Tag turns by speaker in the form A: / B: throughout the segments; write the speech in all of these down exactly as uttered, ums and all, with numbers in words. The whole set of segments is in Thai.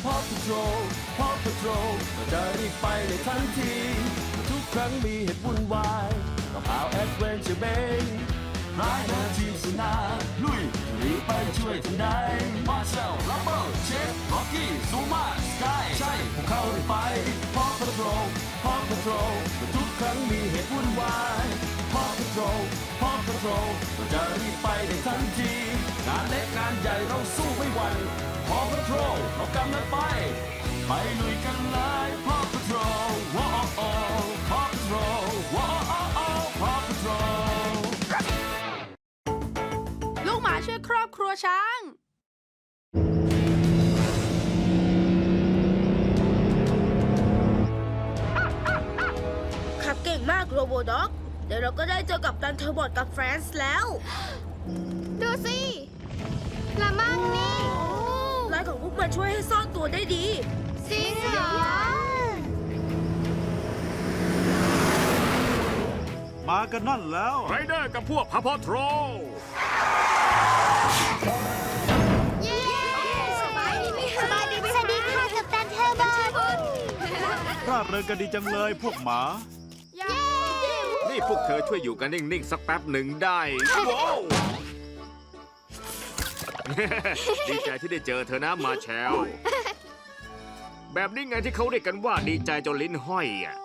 A: Paw Patrol Paw Patrol เราจะรีบไปในทันทีทุกครั้งมีเหตุวุ่นวายกับข่าวแอดเวนเจอร์เบย์ร้ายนาทีสนาลุยรีบไปช่วยทันใดมาเชลลับเบิลเชฟล็อกกี้ซูมาสกายใช่พวกเขาได้ไป Paw Patrol Paw Patrol ทุกครั้งมีเหตุวุ่นวาย Paw Patrol Paw Patrol เราจะรีบไปในทันทีงานเล็กงานใหญ่เราสู้ไม่หวั่น Paw Patrol เรากำลังไปไปลุยกันเลย Paw Patrol ว้าว Paw Patrol ว้าว Paw Patrol
B: ลูกหมาช่วยครอบครัวช้าง
C: ขับเก่งมากโรโบด็อกเดี๋ยวเราก็ได้เจอกับตันเทอร์บอทกับแฟรนซ์แล้ว
D: ดูสิละมั่งนี่
C: ลายของพวกมันช่วยให้ซ่อนตัวได้ดี
D: จริงเหรอ
E: มากันนั่นแล้ว
F: ไรเดอร์กับพวกพาพอทรอล
D: เย้สบายดีไหมคะสบายดีไหมสวัสดีค่ะกับตันเทอร์บอท
E: ร่าเริงกันดีจังเลยพวกหมา
D: เย้
F: นี่พวกเธอช่วยอยู่กันนิ่งๆสักแป๊บหนึ่งได้ว้าว ดีใจที่ได้เจอเธอนะมาแชล แบบนี้ไงที่เขาเรียกกันว่าดีใจจนลิ้นห้อยอ่ะ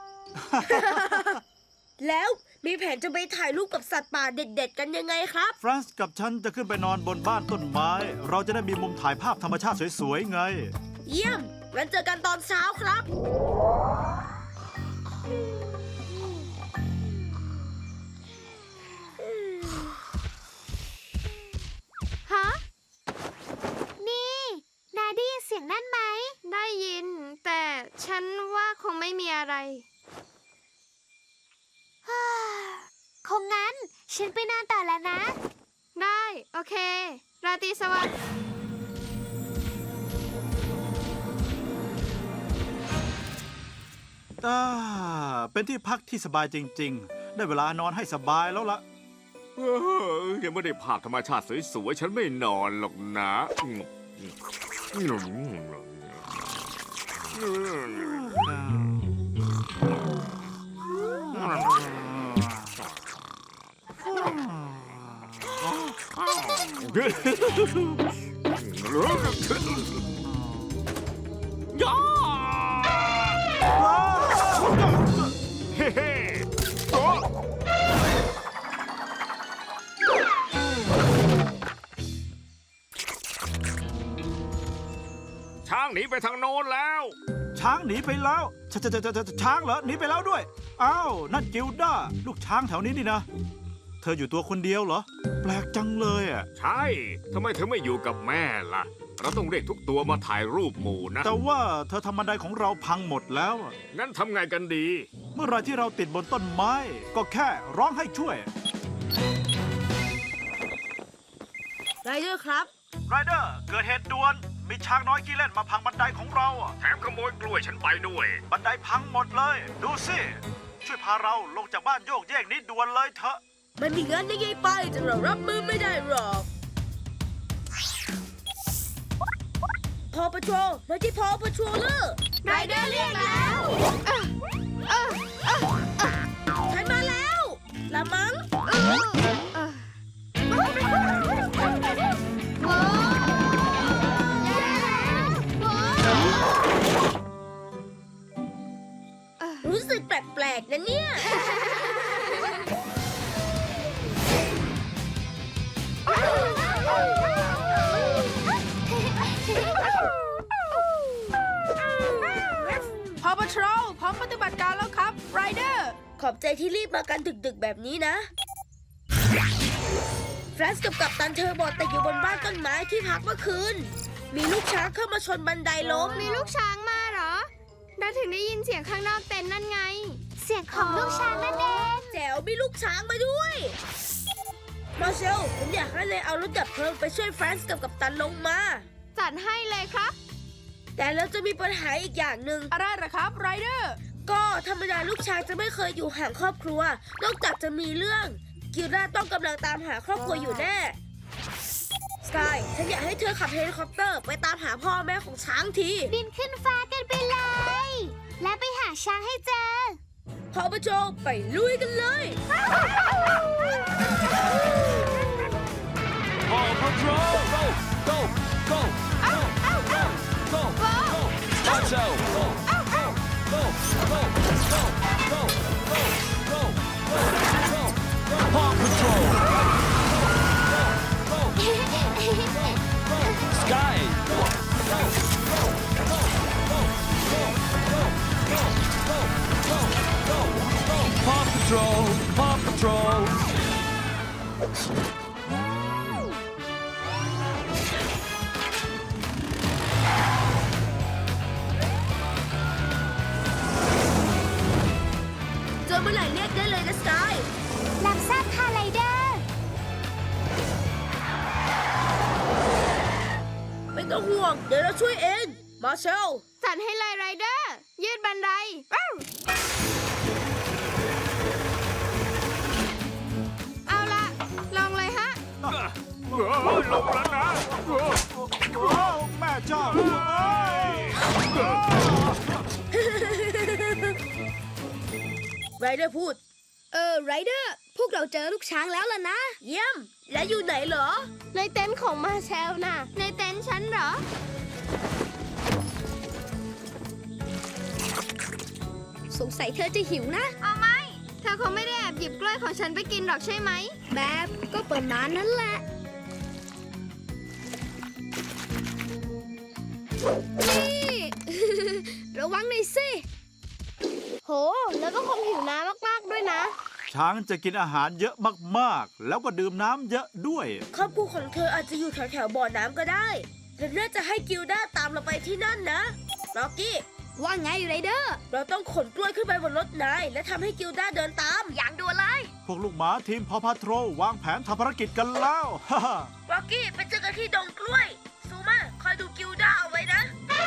C: แล้วมีแผนจะไปถ่ายรูปกับสัตว์ป่าเด็ดๆกันยังไงครับ
E: ฟรานซ์กับฉันจะขึ้นไปนอนบนบ้านต้นไม้ เราจะได้มีมุมถ่ายภาพธรรมชาติสวยๆไง
C: เยี่ยมงั้นเจอกันตอนเช้าครับ
D: ฮะนี่นาได้ยินเสียงนั่นไหมได้ยิน แต่ฉันว่าคงไม่มีอะไร คงงั้น ฉันไปนอนต่อแล้วนะ ได้ โอเค ราตรีสวัสดิ์
E: อ่า เป็นที่พักที่สบายจริงๆ ได้เวลานอนให้สบายแล้วล่ะ
F: เออยังไม่ได้ภาพธรรมชาติสวยๆ ฉันไม่นอนหรอกนะย่าเฮ้เฮ้โอ้ช้างหนีไปทางโน้นแล้ว
E: ช้างหนีไปแล้วชชชชช้างเหรอหนีไปแล้วด้วย อ้าว นั่นกิลด้า ลูกช้างแถวนี้นี่นะ เธออยู่ตัวคนเดียวเหรอ แปลกจังเลยอ่ะ
F: ใช่ ทำไมเธอไม่อยู่กับแม่ล่ะ เราต้องเรียกทุกตัวมาถ่ายรูปหมู่นะ
E: แต่ว่าเธอทำบันไดของเราพังหมดแล้วอะ
F: งั้นทำไงกันดี
E: เมื่อไรที่เราติดบนต้นไม้ ก็แค่ร้องให้ช่วย
C: ไรเดอร์ครับ
E: ไรเดอร์เกิดเหตุด่วน มีช้างน้อยขี้เล่นมาพังบันไดของเราอะ
F: แถมขโมยกล้วยฉันไปด้วย
E: บันไดพังหมดเลย ดูสิ ช่วยพาเราลงจากบ้านโยกเยกนี้ด่วนเลยเถอะ
C: มันมีงั้นได้ไงไปแต่เรารับมือไม่ได้หรอก พอปทรลมาที่พอปทรลเลอร์
D: ไรเดอร์เรียกแล้ว
C: ฉันมาแล้วละมัง รู้สึกแปลกๆนะเนี่ย
B: พอ Patrol พร้อมปฏิบัติการแล้วครับไรเดอร์
C: ขอบใจที่รีบมากันดึกๆแบบนี้นะ แฟรนซ์กับกัปตันเทอร์บอทแต่อยู่บนบ้านต้นไม้ที่พักเมื่อคืน มีลูกช้างเข้ามาชนบันไดล้ม
D: มีลูกช้างมาเหรอเราถึงได้ยินเสียงข้างนอกเต็นท์นั่นไง เสียงของลูกช้างนั่นเอง
C: แจ๋วมีลูกช้างมาด้วย มาเชล ผมอยากให้นายเอารถดับเพลิงไปช่วยแฟรนซ์กับกัปตันลงมา
D: จัดให้เลยครับ
C: แต่เราจะมีปัญหาอีกอย่างหนึ่ง
B: อะไรเหรอครับไรเดอร์
C: ก็ธรรมดาลูกช้างจะไม่เคยอยู่ห่างครอบครัว นอกจากจะมีเรื่อง กิราต้องกำลังตามหาครอบครัวอยู่แน่สกายฉันอยากให้เธอขับเฮลิคอปเตอร์ไปตามหาพ่อแม่ของช้างที
D: บินขึ้นฟ้ากันไปเลย และไปหาช้างให้เจอ
C: พอประโจไปลุยกันเลย
A: Paw Patrol go go go go go go go Watch out go go go go go go go go go go Paw Patrol go go go Sky go go go go go go go go go go go go Paw Patrol Paw Patrol
C: เจอเมื่อไหร่เรียกได้เลยนะสกาย
D: รับทราบค่ะไรเดอร์
C: ไม่ต้องห่วง เดี๋ยวเราช่วยเอง มาเชล
B: จัดให้เลยไรเดอร์ ยืดบันไดว้าวเอาละลองเลยฮะ
F: เออลงแล้วนะเออ
E: โอ้แม่เจ้าเอ้ย
C: ไรเดอร์พูด เออไรเดอร์ พวกเราเจอลูกช้างแล้วล่ะนะ เยี่ยม และอยู่ไหนเหรอ
B: ในเต็นท์ของมาเชลน่ะ ในเต็นท์ฉันเหรอ
C: สงสัยเธอจะหิวนะ
B: เอาไหม เธอคงไม่ได้แอบหยิบกล้วยของฉันไปกินหรอกใช่ไหม
C: แบบก็ประมาณนั้นแหละ นี่ ระวังหน่อยสิ
B: โห แล้วก็คงหิวน้ำมากๆด้วยนะ
E: ช้างจะกินอาหารเยอะมากๆ แล้วก็ดื่มน้ำเยอะด้วย
C: ครอบครัวของเธออาจจะอยู่แถวๆบ่อน้ำก็ได้เราน่าจะให้กิลด้าตามเราไปที่นั่นนะล็อกกี้ ว่าไงไรเดอร์ เราต้องขนกล้วยขึ้นไปบนรถนาย และทำให้กิลด้าเดินตาม อย่างด่วนเลย
E: พวกลูกหมาทีมพอพาโทรวางแผนทำภารกิจกันแล้ว ฮ่าฮ่า
C: ล็อกกี้ไปเจอกันที่ดงกล้วย ซูมาคอยดูกิลด้าเอาไว้นะ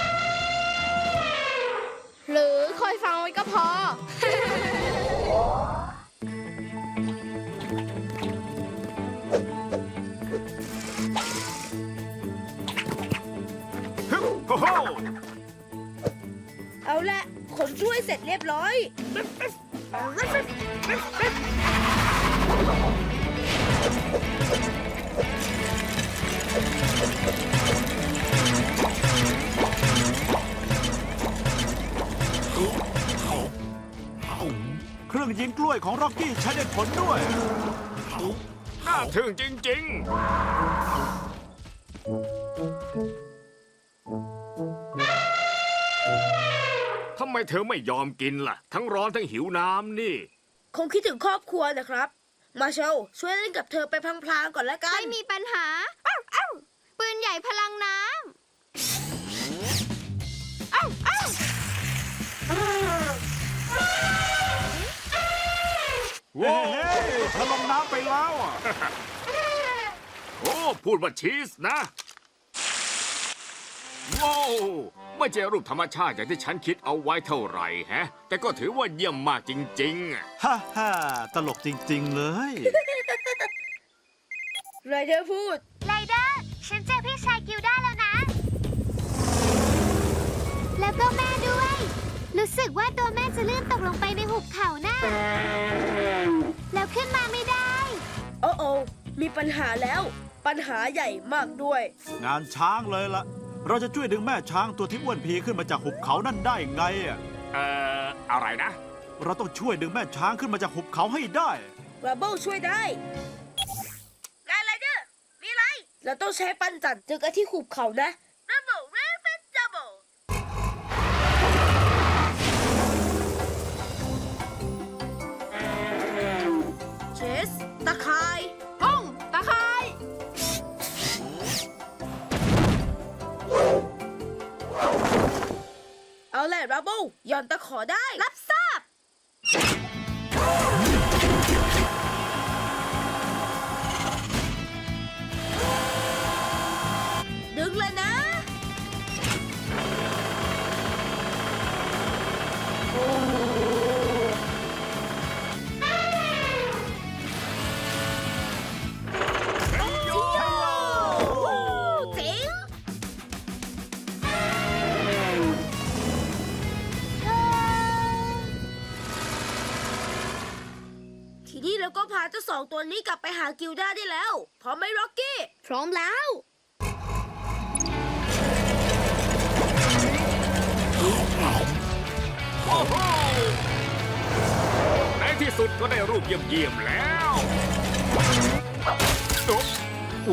B: หรือคอยฟังไว้ก็พอ
F: โอ้โห
C: เอาละขนกล้วยเสร็จเรียบร้อย
E: เครื่องยิงกล้วยของร็อกกี้ใช้ได้ผลด้วย
F: น่าทึ่งจริง ๆ ทำไมเธอไม่ยอมกินล่ะ ทั้งร้อนทั้งหิวน้ำนี่
C: คงคิดถึงครอบครัวนะครับ มาเชลช่วยเล่นกับเธอไปพลางๆก่อนละกัน
B: ไม่มีปัญหาอ้าวอ้าวปืนใหญ่พลังน้ำอ้าวอ้าว
E: เฮ้ยเธอลงน้ำไปแล้วอ่ะ
F: โอ้ พูดว่าชีสนะ ว้าวไม่ใช่รูปธรรมชาติอย่างที่ฉันคิดเอาไว้เท่าไหร่แฮะ แต่ก็ถือว่าเยี่ยมมากจริง ๆ
E: ฮ่าฮ่าตลกจริง ๆ เลย
C: ไรเดอร์พูด
D: ไรเดอร์ ฉันเจอพี่ชายกิลด้าแล้วนะ แล้วก็แม่ด้วย รู้สึกว่าตัวแม่จะลื่นตกลงไปในหุบเขาน่ะ แล้วขึ้นมาไม่ได้
C: โอ้โอมีปัญหาแล้ว ปัญหาใหญ่มากด้วย
E: งานช้างเลยล่ะ เราจะช่วยดึงแม่ช้างตัวที่อ้วนพีขึ้นมาจากหุบเขานั่นได้ไงอ่ะ
F: เอ่อ อะไรนะ
E: เราต้องช่วยดึงแม่ช้างขึ้นมาจากหุบเขาให้ได้
C: ราเบิลช่วยได้ไงไรเดอร์ มีอะไร เราต้องใช้ปั้นจันเจอกันที่หุบเขานะราเบิลเรฟเฟนดับเบิลเชส ตะคาย
B: ห้องตะไคร้
C: เอาแหละราเบิลหย่อนตะขอได้ รับทราบ ดึงเลยนะ
E: โ
C: เราก็พาเจ้าสองตัวนี้กลับไปหากิลด้าได้แล้ว พร้อมไหมร็อกกี้ พร้อมแล้ว
F: โอ้โหในที่สุดก็ได้รูปเยี่ยมๆแล้วโอ้โห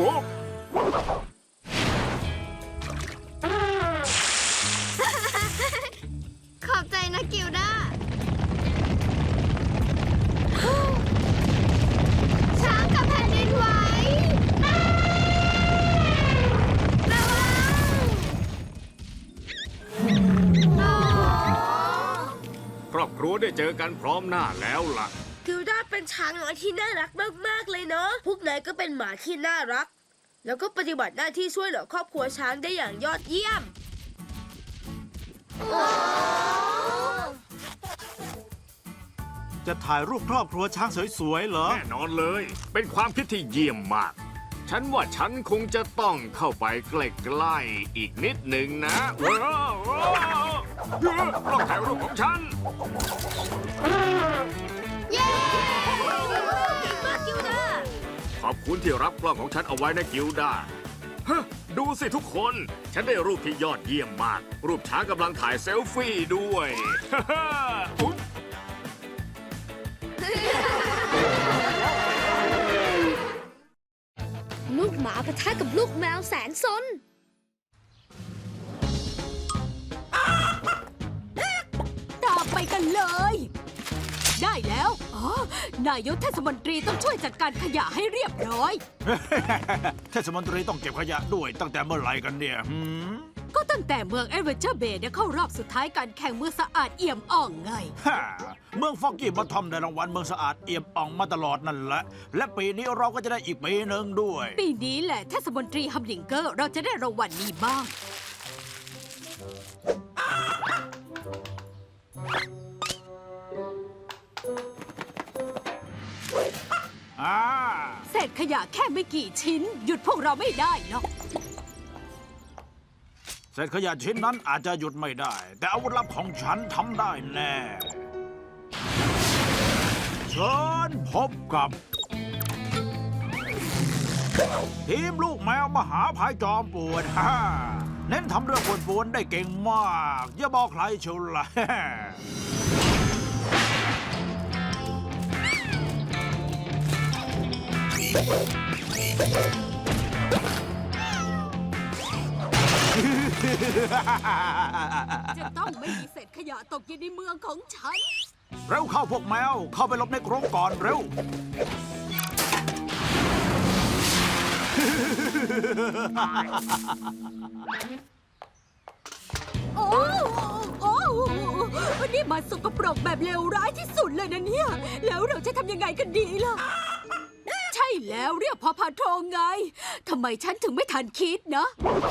D: ขอบใจนะกิลด้า ช้างกับแผ่นดินไหวระวังโอ้
F: ครอบครัวได้เจอกันพร้อมหน้าแล้วล่ะ
C: กิลด้าเป็นช้างน้อยที่น่ารักมากๆเลยเนาะ พวกนายก็เป็นหมาที่น่ารัก แล้วก็ปฏิบัติหน้าที่ช่วยเหลือครอบครัวช้างได้อย่างยอดเยี่ยม
E: จะถ่ายรูปครอบครัวช้างสวยๆเหรอ
F: แน่นอนเลย เป็นความคิดที่เยี่ยมมาก ฉันว่าฉันคงจะต้องเข้าไปใกล้ๆอีกนิดหนึ่งนะว้าวว้าวเฮ้ยต้องถ่ายรูปของฉัน
D: เย้
C: เก่งมากกิลด้า
F: ขอบคุณที่รับกล้องของฉันเอาไว้นะกิลด้าฮะดูสิทุกคน ฉันได้รูปที่ยอดเยี่ยมมาก รูปช้างกำลังถ่ายเซลฟี่ด้วย ฮ่าฮ่าอุ๊ย
C: ลูกหมาปะทะกับลูกแมวแสนซน
G: ตามไปกันเลย ได้แล้ว อ๋อ นายกเทศมนตรีต้องช่วยจัดการขยะให้เรียบร้อย
E: เทศมนตรีต้องเก็บขยะด้วยตั้งแต่เมื่อไหร่กันเนี่ยหืม
G: ก็ตั้งแต่เมืองเอเวอร์เจอร์เบย์เนี่ยเข้ารอบสุดท้ายการแข่งเมืองสะอาดเอี่ยมอ่องไง
E: ฮ่าเมืองฟอกกี้มาทอมได้รางวัลเมืองสะอาดเอี่ยมอ่องมาตลอดนั่นแหละ และปีนี้เราก็จะได้อีกปีหนึ่งด้วย
G: ปีนี้แหละเทศมนตรีฮัมดิงเกอร์เราจะได้รางวัลนี้บ้าง
E: อ่า
G: เศษขยะแค่ไม่กี่ชิ้น หยุดพวกเราไม่ได้หรอก
E: เศษขยะชิ้นนั้นอาจจะหยุดไม่ได้ แต่อาวุธลับของฉันทำได้แน่ เชิญพบกับ ทีมลูกแมวมหาภัยจอมป่วน ฮ่าเน้นทำเรื่องป่วนๆได้เก่งมาก อย่าบอกใครเชียวล่ะ
G: จะต้องไม่มีเศษขยะตกอยู่ในเมืองของฉัน
E: เร็วเข้าพวกแมว เข้าไปหลบในกรงก่อนเร็ว
G: โอ้โอ้วันนี้มันสกปรกแบบเลวร้ายที่สุดเลยนะเนี่ย แล้วเราจะทำยังไงกันดีล่ะ ใช่แล้วเรียกพอพาโทรไง ทำไมฉันถึงไม่ทันคิดนะ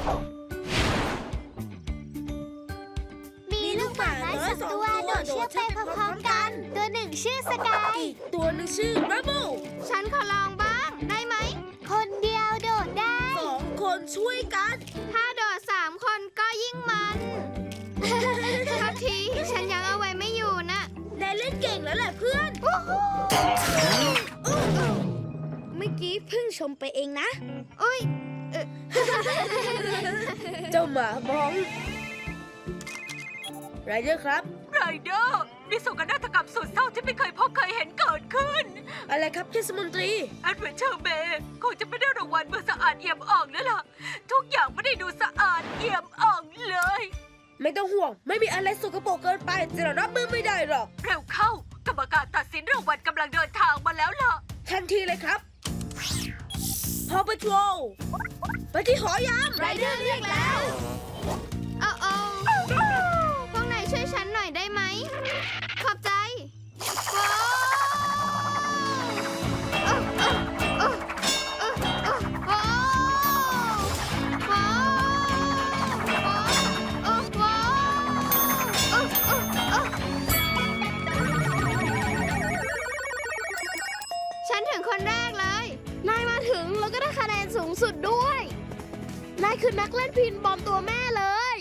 D: มีลูกหมาน้อยสองตัวโดดเชือกไปพร้อมๆกัน ตัวหนึ่งชื่อสกาย
C: อีกตัวหนึ่งชื่อรับเบิล
D: ฉันขอลองบ้าง ได้ไหม คนเดียวโดดได้
C: สองคนช่วยกัน
D: ถ้าโดดสามคนก็ยิ่งมันทักทีฉันยังเอาไว้ไม่อยู่นะ
C: นายเล่นเก่งแล้วแหละเพื่อน เมื่อกี้เพิ่งชมไปเองนะ
D: อุ้ย
C: เจ้าหมาบ้องไรเดอร์ครับ
G: ไรเดอร์นี่โศกนาฏกรรมสุดเศร้าที่ไม่เคยพบเคยเห็นเกิดขึ้น
C: อะไรครับเทศมนตรี
G: แอดเวนเจอร์เบย์คงจะไม่ได้รางวัลเมื่อสะอาดเอี่ยมอ่องแล้วล่ะ ทุกอย่างไม่ได้ดูสะอาดเอี่ยมอ่องเลย
C: ไม่ต้องห่วง ไม่มีอะไรสกปรกเกินไปจะรับมือไม่ได้หรอก
G: เร็วเข้า กรรมการตัดสินรางวัลกำลังเดินทางมาแล้วล่ะ
C: ทันทีเลยครับพอปะโทรไปที่หอยาม
D: ไรเดอร์เรียกแล้วโอ้โอ้พวกนายช่วยฉันหน่อยได้ไหม ขอบใจว้าวเอ้อเอ้อเอ้อเอ้อเอ้อว้าวว้าวว้าวเอ้อว้าวเอ้อเอ้อเอ้อฉันถึงคนแรกเลย นายมาถึงแล้วก็ได้คะแนนสูงสุดด้วย นายคือนักเล่นพินบอมตัวแม่เลย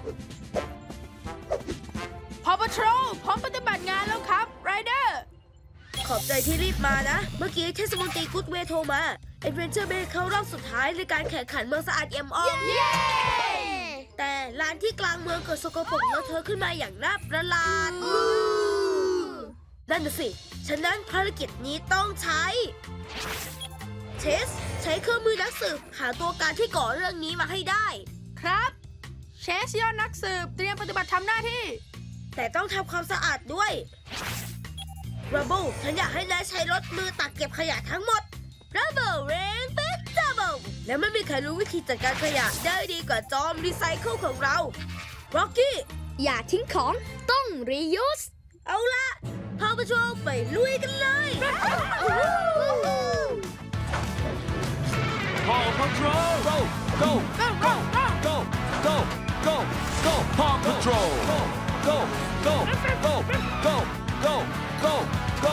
B: พอปทรลพร้อมปฏิบัติงานแล้วครับไรเดอร์
C: ขอบใจที่รีบมานะ เมื่อกี้เทศมนตรีกูดเวย์โทรมาเอดเวนเจอร์เบย์เข้ารอบสุดท้ายในการแข่งขันเมืองสะอาดเอี่ยมอ่องแต่ร้านที่กลางเมืองเกิดสกปรกเลอะเทอะขึ้นมาอย่างน่าประหลาด นั่นน่ะสิ ฉะนั้นภารกิจนี้ต้องใช้ เชส ใช้เครื่องมือนักสืบหาตัวการที่ก่อเรื่องนี้มาให้ได้
B: ครับเชสยอดนักสืบเตรียมปฏิบัติทำหน้าที่
C: แต่ต้องทำความสะอาดด้วยรับเบิลฉันอยากให้นายใช้รถมือตักเก็บขยะทั้งหมดรับเบิลเรนเบสดับเบิลและไม่มีใครรู้วิธีจัดการขยะได้ดีกว่าจอมรีไซเคิลของเราร็อกกี้
D: อย่าทิ้งของต้อง reuse
C: เอาละพาไปโชว์ไปลุยกันเลย
A: Paw Patrol go go go go go go go Paw Patrol go go go go go go go go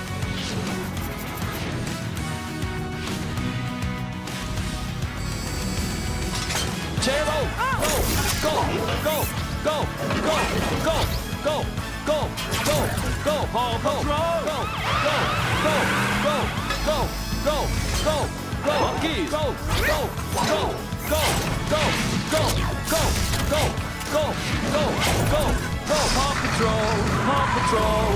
A: Chero go go go go go go go go go go Paw Patrol go go go go go go go go Rocky go go go go go go go go go go go go Paw Patrol Paw Patrol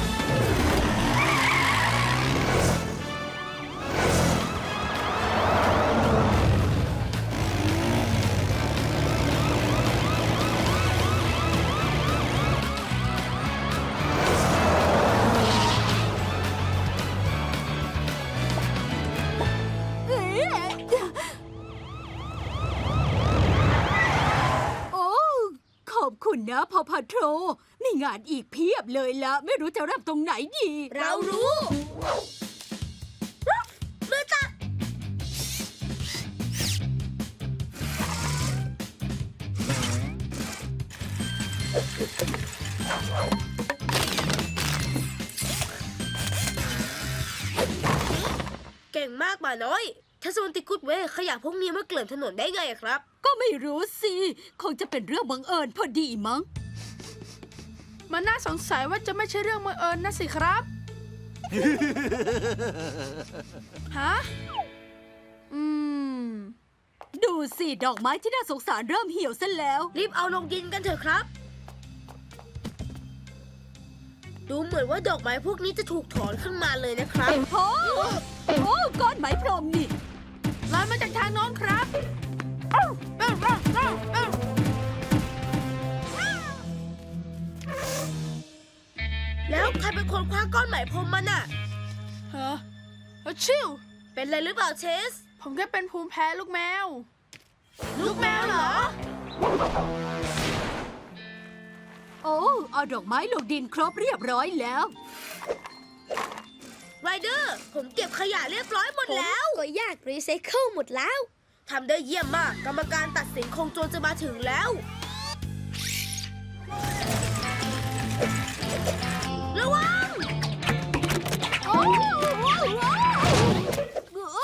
G: โอ้ขอบคุณนะพอพาโทรมีงานอีกเพียบเลยละไม่รู้จะเริ่มตรงไหนดี
C: เรารู้มือตักเก่งมากหมาน้อยเทศมนตรีกูดเวย์ขยะพวกนี้มาเกลื่อนถนนได้ไงอะครับ
G: ก็ไม่รู้สิ คงจะเป็นเรื่องบังเอิญพอดีมั้ง
B: มันน่าสงสัยว่าจะไม่ใช่เรื่องบังเอิญนะสิครับ ฮะ อืม
G: ดูสิ ดอกไม้ที่น่าสงสารเริ่มเหี่ยวซะแล้ว
C: รีบเอาลงดินกันเถอะครับ ดูเหมือนว่าดอกไม้พวกนี้จะถูกถอนขึ้นมาเลยนะครับ
G: โอ้โอ้ก้อนไหมพรมนี่
B: ลอยมาจากทางโน้นครับเอ้าเอ้าเอ้าเอ้าเอ้า
C: แล้วใครเป็นคนคว้าก้อนไหมพรมมันอะ
B: เฮ้อเฮ้อชิว
C: เป็นอะไรหรือเปล่าเชส
B: ผมแค่เป็นภูมิแพ้ลูกแมว ลูกแมวเหรอ
G: โอ้เอาดอกไม้ลงดินครบเรียบร้อยแล้ว
C: ไรเดอร์ ผมเก็บขยะเรียบร้อยหมดแล้ว
D: ก็ยากรีไซเคิลหมดแล้ว
C: ทำได้เยี่ยมมาก กรรมการตัดสินคงจวนจะมาถึงแล้ว ระวัง
G: โอ้โอ้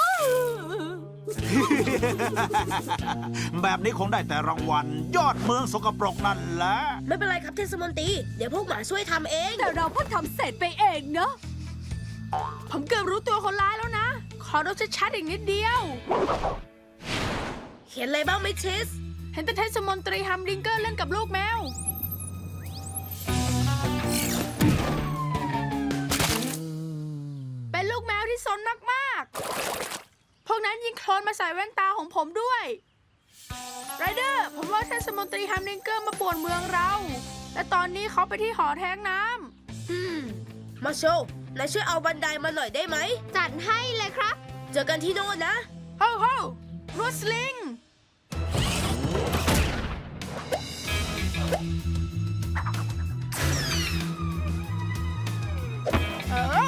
E: แบบนี้คงได้แต่รางวัล ยอดเมืองสกปรกนั่นแหละ
C: ไม่เป็นไรครับเทศมนตรี เดี๋ยวพวกหมาช่วยทำเอง
G: แต่เราเพิ่งทำเสร็จไปเองเนอะ
B: ผมเกือบรู้ตัวคนร้ายแล้วนะ ขอดูชัดๆอีกนิดเดียว
C: เห็นอะไรบ้างไหมเชส
B: เห็นแต่เทศมนตรีฮัมดิงเกอร์เล่นกับลูกแมว เป็นลูกแมวที่ซนมากๆ พวกนั้นยิงโคลนมาใส่แว่นตาของผมด้วย ไรเดอร์ ผมว่าเทศมนตรีฮัมดิงเกอร์มาป่วนเมืองเรา และตอนนี้เขาไปที่หอแท้งน้ำ
C: อืม มาโชว์นายช่วยเอาบันไดมาหน่อยได้ไหม
D: จัดให้เลยครับ
C: เจอกันที่โน่นนะ
B: โฮ้โฮ้รวดสลิง เออ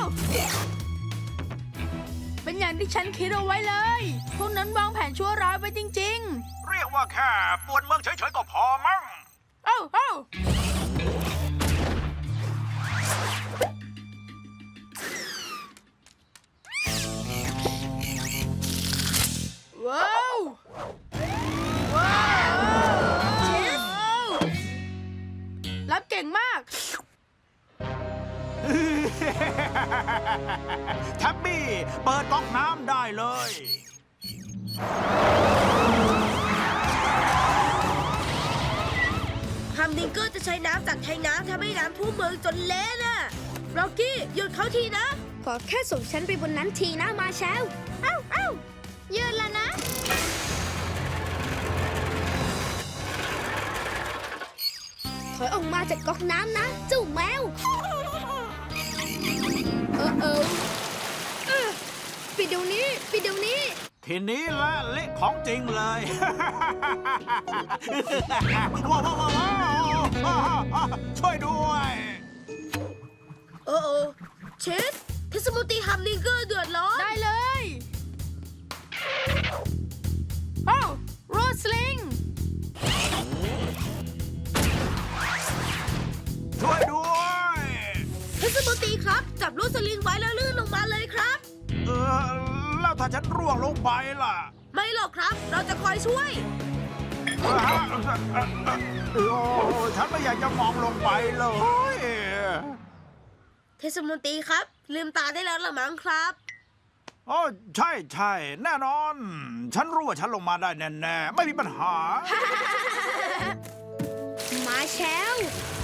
B: เป็นอย่างที่ฉันคิดเอาไว้เลย พวกนั้นวางแผนชั่วร้ายไว้จริง
E: เรียกว่าแค่ปวดเมืองเฉยๆก็พอมั้ง
B: ๆ เอ้าเอ้าว้าว ว้าว
C: เชส
E: แท็บบี้ เปิดก๊อกน้ำได้เลย
C: ฮัมดิงเกอร์จะใช้น้ำจากแทงน้ำทำให้น้ำท่วมเมืองจนเละน่ะร็อกกี้หยุดเขาทีนะ
D: ขอแค่ส่งฉันไปบนนั้นทีนะมาแชลเอ้าเอ้ายืนแล้วนะ ถอยออกมาจากก๊อกน้ำนะเจ้าแมว เออเออเออปิดเดี๋ยวนี้ปิดเดี๋ยวนี้
E: ทีนี้ละเละของจริงเลย ว้าวว้าวว้าวช่วยด้วย
C: โอ้โอเชสเทศมนตรีฮัมดิงเกอร์เดือดร้อน
B: ได้เลยโอ้โรสลิง
E: ช่วยด้วย
C: เทศมนตรีครับ จับลูกสลิงไว้แล้วลื่นลงมาเลยครับ
E: เออ แล้วถ้าฉันร่วงลงไปล่ะ
C: ไม่หรอกครับ เราจะคอยช่วย
E: โอ้ฉันไม่อยากจะมองลงไปเลย
C: เทศมนตรีครับ ลืมตาได้แล้วละมั้งครับ
E: โอ้ใช่ใช่แน่นอน ฉันรู้ว่าฉันลงมาได้แน่ๆ ไม่มีปัญหา
D: มาแชล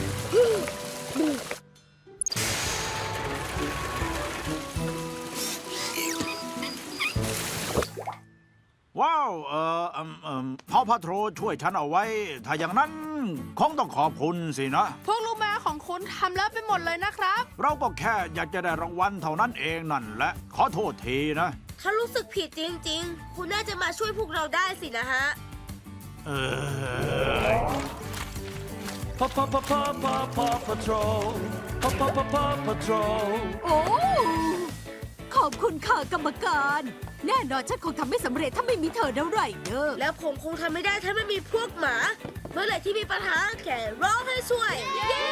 E: ว้าว เออเอมเอมพ่อพาโทรช่วยฉันเอาไว้ ถ้าอย่างนั้นคงต้องขอบคุณสินะ
B: พวกลูกแมวของคุณทำแล้วไปหมดเลยนะครับ
E: เราก็แค่อยากจะได้รางวัลเท่านั้นเองนั่นแหละ ขอโทษทีนะ
C: ถ้ารู้สึกผิดจริง ๆ คุณน่าจะมาช่วยพวกเราได้สินะฮะ
E: เออ
A: Paw Paw Paw Paw Paw Paw Patrol Paw Paw Paw Paw Patrol
G: โอ้ ขอบคุณค่ะกรรมการ แน่นอนฉันคงทำไม่สำเร็จถ้าไม่มีเธอนะไรเดอร์
C: แล้วผมคงทำไม่ได้ถ้าไม่มีพวกหมา เมื่อไหร่ที่มีปัญหาแค่ร้องให้ช่วย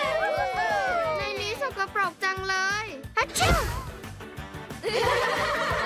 D: ในนี้สกปรกจังเลยฮัชชิว